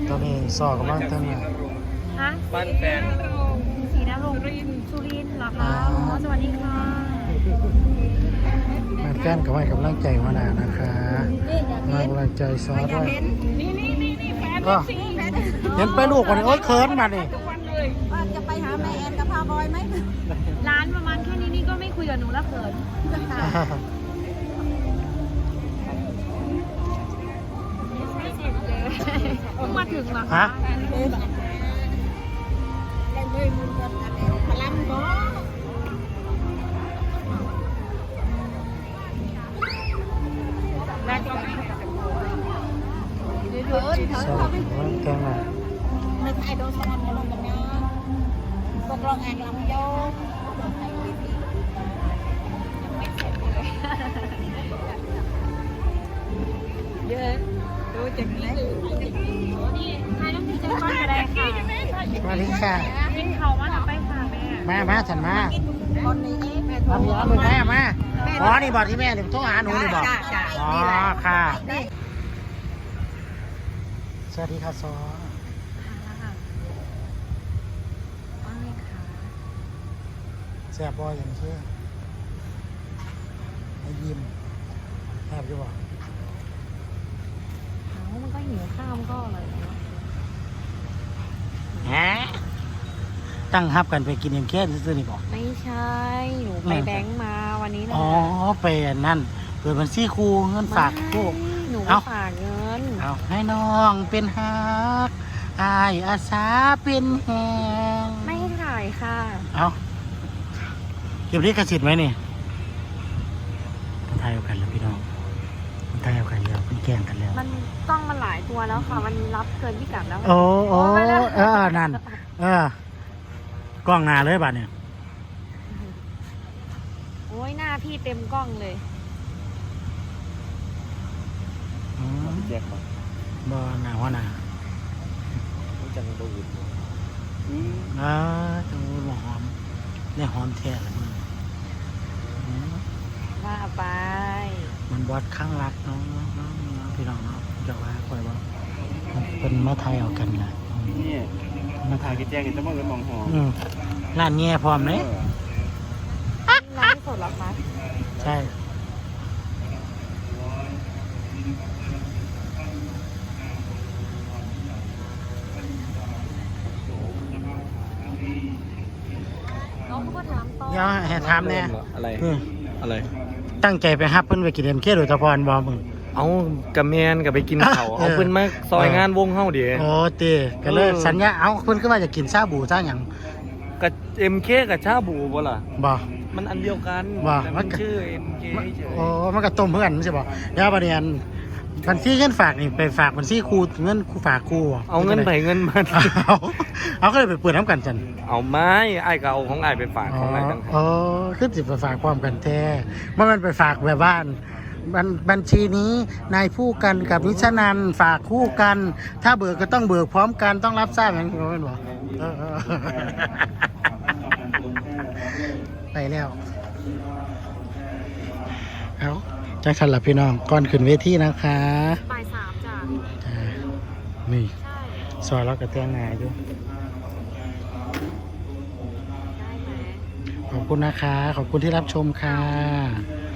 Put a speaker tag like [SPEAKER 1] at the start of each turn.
[SPEAKER 1] ตอนนี้สอบกำลังตั้งนะ
[SPEAKER 2] ฮะ
[SPEAKER 3] บ้านแฟน
[SPEAKER 2] สีนรงค์สุรินทร์เหรอคะอ๋อสวัสดีค่ะ
[SPEAKER 1] มาแฟนกับให้กำลังใจมาหนานะคะมากำลังใจซอสด้วย
[SPEAKER 2] นี่แฟน
[SPEAKER 1] ก็เห็นไปลูกวันนี้โอ๊ยเคิร์นมาดิ
[SPEAKER 4] ว่าจะไปหาแม่แอนกับพาบอยไหม
[SPEAKER 2] ร้านประมาณแค่นี้นี่ก็ไม่คุยกับหนูแล้วเขินเพิ่งมาถึงเหรอ
[SPEAKER 1] ฮะ
[SPEAKER 4] พลังบ่
[SPEAKER 2] แม่ก็
[SPEAKER 4] เถิน
[SPEAKER 1] สอบกำลังตั้งนะ
[SPEAKER 4] ไม่ใช่โดนสลับกันลงกันนะตกลงงานลำโยก
[SPEAKER 2] เยอะดูจากนี้นี่ทายน้ำพริกจะก้อนกระไดค่ะ
[SPEAKER 1] สวัสดีค่ะ
[SPEAKER 2] กินเขามาหนักไปค่ะแม่
[SPEAKER 1] มาฉันมา
[SPEAKER 4] คนนี้แม่
[SPEAKER 1] เอาพี่เอาลูกแม่มาอ๋อนี่บอกที่แม่นี่โทรหาหนูนี่บอกอ๋อค่ะสวัสดีค่ะซอ
[SPEAKER 2] ว่าไงคะ
[SPEAKER 1] แซ่บบอยอย่างเชื่อให้ยิ้มแซ่บอยู่บ่
[SPEAKER 2] มันก็หิวข้าวมันก็อร่อยแล้ว
[SPEAKER 1] ฮะตั้งฮับกันไปกินเอ็มแค่ซื้อๆนี่บอก
[SPEAKER 2] ไม่ใช่ หนูไปแบงค์มาวันนี้นะ
[SPEAKER 1] อ๋อไปอันนั่นเปิดบัญชีครูเงินฝากครู
[SPEAKER 2] หนูไปฝากเงิน
[SPEAKER 1] เอาให้น้องเป็นฮักอายอาสาเป็นแหง
[SPEAKER 2] ไม่ให้ถ่ายค่ะ
[SPEAKER 1] เอาเก็บลิขสิทธิ์ไหมนี่มันทายเอากันแล้วพี่น้องมันทายเอากันแล้วมันแกล้งกันแล้ว
[SPEAKER 2] มันกล้องมันหลายตัวแล้วค่ะ มันรับเกินพิกัดแล้ว
[SPEAKER 1] โอ้นั่นกล้องหน้าเลยบัดเนี่ย
[SPEAKER 2] โอ้ยหน้าพี่เต็มกล้องเลย
[SPEAKER 1] อืม
[SPEAKER 3] แจกมา
[SPEAKER 1] บ่หน้าหัวหน้า
[SPEAKER 3] รู้จักโดวิด
[SPEAKER 1] จังหวะหอมเนี่ยหอมแท้เลยมึงอืม
[SPEAKER 2] ว่าไป
[SPEAKER 1] มันบอดข้างรักเนาะพี่น้องเนาะจะว่าคอยว่าเป็นมาไทยเอากันนะ
[SPEAKER 3] นี่มาถ่ายกี่แจกกี่จะมาเอินมองหอ
[SPEAKER 1] ร้านแง่พร้อมเลย
[SPEAKER 2] ร้านสดเหรอคะ
[SPEAKER 1] ใช่
[SPEAKER 2] น้องก็ถามต่อ
[SPEAKER 1] เดี๋ยวให้ถามเนี่ย
[SPEAKER 3] อะไรอะไร
[SPEAKER 1] ตั้งใจไปฮับเพิ่นไปกินเอ็มเคโดยเฉพาะบ่มึง
[SPEAKER 3] เอากับแมนกับไปกินเขาเอาเพิ่นมาซอยงานวงเฮาเดี๋ยว
[SPEAKER 1] โอ้ตีก็เลยสัญญาเอาเพิ่นขึ้นมาจะกินชาบูซ่าหยัง
[SPEAKER 3] กับ MK กับชาบูบ่ล่ะ
[SPEAKER 1] บ่
[SPEAKER 3] มันอันเดียวกัน
[SPEAKER 1] ว่า
[SPEAKER 3] แต่
[SPEAKER 1] มั
[SPEAKER 3] มัน นชื่อ MK เฉย
[SPEAKER 1] โอ้มันก็ต้มเพื่อนไม่ใช่บ่เดี๋ยวประเด็นบัญชีเงินฝากนี่ไปฝากบัญชีครูเงินครูฝากครูบ่
[SPEAKER 3] เอาเงินไปเงินมัน
[SPEAKER 1] เอาก็เลยไปเปิดน้ำกันจัน
[SPEAKER 3] เอาไม้ไอ้ายก็เอาของไอ้ายไปฝากของไอ้ายต่างหาก
[SPEAKER 1] อ๋อคือสิไปฝากความกันแท้มันไปฝากแบบบ้านบัญชีนี้นายผู้กันกับนิชนันฝากคู่กัน ถ้าเบิกก็ต้องเบิกพร้อมกันต้องรับทราบอย่างนี้เป็นบ่ไปแล้วเอาจังทันหลับพี่น้องก่อนขึ้นเวทีนะคะ
[SPEAKER 2] บ่าย3จ้ะ
[SPEAKER 1] นี่
[SPEAKER 2] ใช่
[SPEAKER 1] ซอยเรากระเตียงงายอยู่
[SPEAKER 2] ได้ไหม
[SPEAKER 1] ขอบคุณนะคะ ขอบคุณที่รับชมค่ะ
[SPEAKER 2] ไ